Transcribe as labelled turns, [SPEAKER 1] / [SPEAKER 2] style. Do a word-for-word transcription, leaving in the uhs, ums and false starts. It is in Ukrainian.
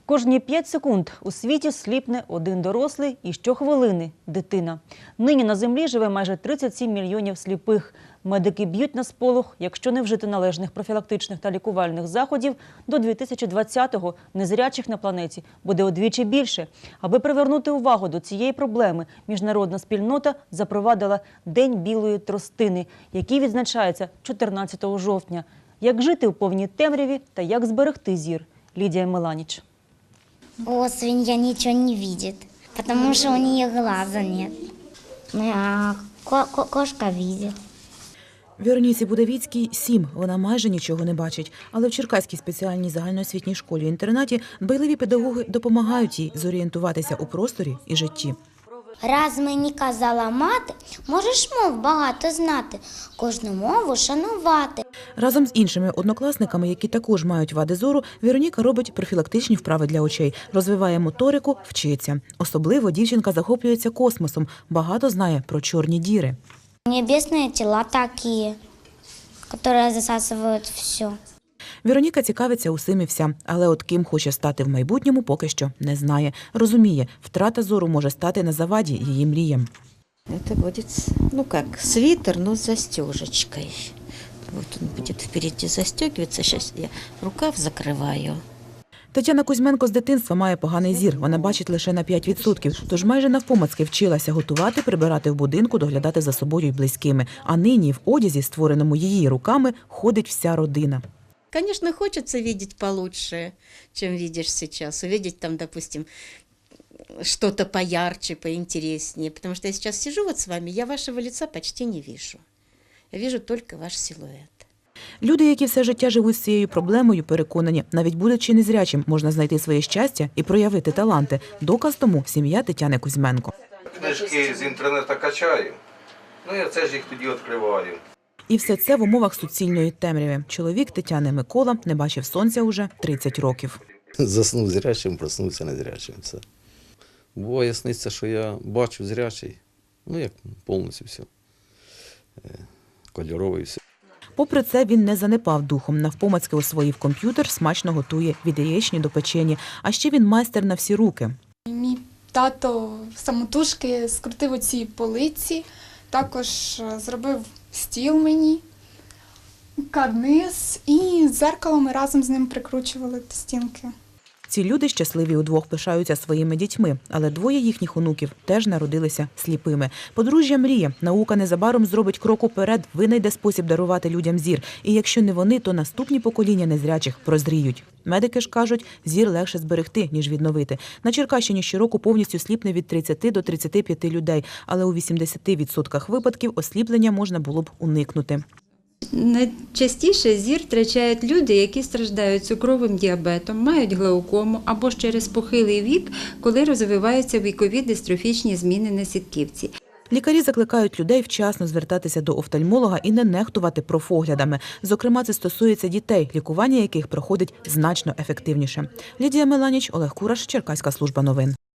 [SPEAKER 1] Кожні п'ять секунд у світі сліпне один дорослий і щохвилини – дитина. Нині на землі живе майже тридцять сім мільйонів сліпих. Медики б'ють на сполох, якщо не вжити належних профілактичних та лікувальних заходів, до дві тисячі двадцятого незрячих на планеті буде удвічі більше. Аби привернути увагу до цієї проблеми, міжнародна спільнота запровадила День білої тростини, який відзначається чотирнадцятого жовтня. Як жити у повній темряві та як зберегти зір? Лідія Меланіч.
[SPEAKER 2] О, свинья ничего не видит, потому что у нее глаза нет. А ко ко кошка видит.
[SPEAKER 3] Вероніці Будавіцькій сім. Вона майже нічого не бачить. Але в Черкаській спеціальній загальноосвітній школі-інтернаті дбайливі педагоги допомагають їй зорієнтуватися у просторі і житті.
[SPEAKER 2] Раз мені казала мати, можеш мов багато знати, кожну мову шанувати.
[SPEAKER 3] Разом з іншими однокласниками, які також мають вади зору, Вероніка робить профілактичні вправи для очей, розвиває моторику, вчиться. Особливо дівчинка захоплюється космосом, багато знає про чорні діри.
[SPEAKER 2] Небесні тіла такі, які засасують все.
[SPEAKER 3] Вероніка цікавиться усім і вся, але от ким хоче стати в майбутньому, поки що не знає. Розуміє, втрата зору може стати на заваді її мріям.
[SPEAKER 4] Это будет, ну как, свитер, но с застежечкой. Вот он будет впереди застегиваться. Сейчас я рукав закрываю.
[SPEAKER 3] Тетяна Кузьменко з дитинства має поганий зір. Вона бачить лише на п'ять відсотків. Тож майже навпомацьки вчилася готувати, прибирати в будинку, доглядати за собою й близькими. А нині в одязі, створеному її руками, ходить вся родина.
[SPEAKER 4] Конечно, хочется видеть получше, чем видишь сейчас. Увидеть там, допустим, что-то поярче, поинтереснее. Потому что я сейчас сижу вот с вами, я вашего лица почти не вижу. Я вижу только ваш силуэт.
[SPEAKER 3] Люди, які все життя живуть з цією проблемою, переконані, навіть будучи незрячим, можна знайти своє щастя і проявити таланти. Доказ тому – сім'я Тетяни Кузьменко.
[SPEAKER 5] Книжки з інтернету качаю, ну я це ж їх тоді відкриваю.
[SPEAKER 3] І все це в умовах суцільної темряви. Чоловік Тетяни Микола не бачив сонця уже тридцять років.
[SPEAKER 6] Заснув зрячим, проснувся незрячим. Все. Буває сниться, що я бачу зрячий, ну як повністю все, кольоровий все.
[SPEAKER 3] Попри це, він не занепав духом. Навпомацьки освоїв комп'ютер, смачно готує від яєчні до печені. А ще він майстер на всі руки.
[SPEAKER 7] Мій тато самотужки скрутив оці полиці, також зробив стіл мені, карниз, і дзеркало ми разом з ним прикручували до стінки.
[SPEAKER 3] Ці люди щасливі удвох пишаються своїми дітьми, але двоє їхніх онуків теж народилися сліпими. Подружжя мріє, наука незабаром зробить крок уперед, винайде спосіб дарувати людям зір. І якщо не вони, то наступні покоління незрячих прозріють. Медики ж кажуть, зір легше зберегти, ніж відновити. На Черкащині щороку повністю сліпне від тридцяти до тридцяти п'яти людей, але у вісімдесяти відсотках випадків осліплення можна було б уникнути.
[SPEAKER 8] Найчастіше зір втрачають люди, які страждають цукровим діабетом, мають глаукому або ж через похилий вік, коли розвиваються вікові дистрофічні зміни на сітківці.
[SPEAKER 3] Лікарі закликають людей вчасно звертатися до офтальмолога і не нехтувати профоглядами. Зокрема, це стосується дітей, лікування яких проходить значно ефективніше. Лідія Меланіч, Олег Кураш, Черкаська служба новин.